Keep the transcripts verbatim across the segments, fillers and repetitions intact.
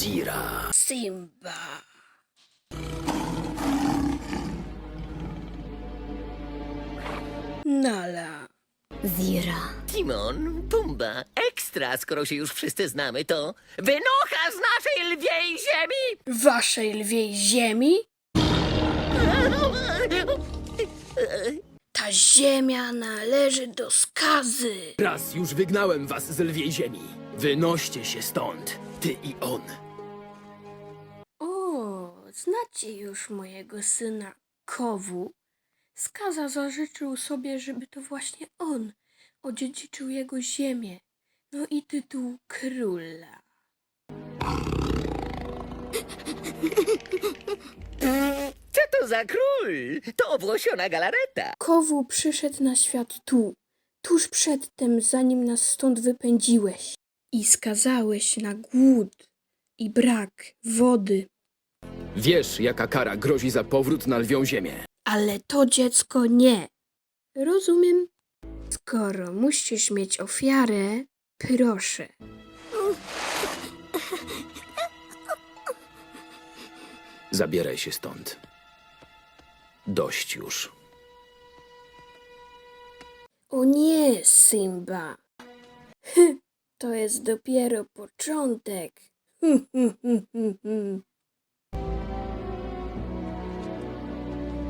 Zira. Simba. Nala. Zira. Timon, Pumba, ekstra, skoro się już wszyscy znamy, to wynocha z naszej lwiej ziemi! Waszej lwiej ziemi? Ta ziemia należy do skazy. Raz już wygnałem was z lwiej ziemi. Wynoście się stąd, ty i on. O, znacie już mojego syna Kowu. Skaza zażyczył sobie, żeby to właśnie on odziedziczył jego ziemię, no i tytuł króla. Co to za król? To obłosiona galareta. Kowu przyszedł na świat tu, tuż przedtem, zanim nas stąd wypędziłeś i skazałeś na głód i brak wody. Wiesz, jaka kara grozi za powrót na lwią ziemię. Ale to dziecko nie. Rozumiem. Skoro musisz mieć ofiarę, proszę. Zabieraj się stąd. Dość już. O nie, Simba. Hy, to jest dopiero początek. Hm, hm, hm, hm, hm.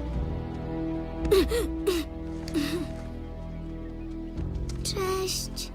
Cześć.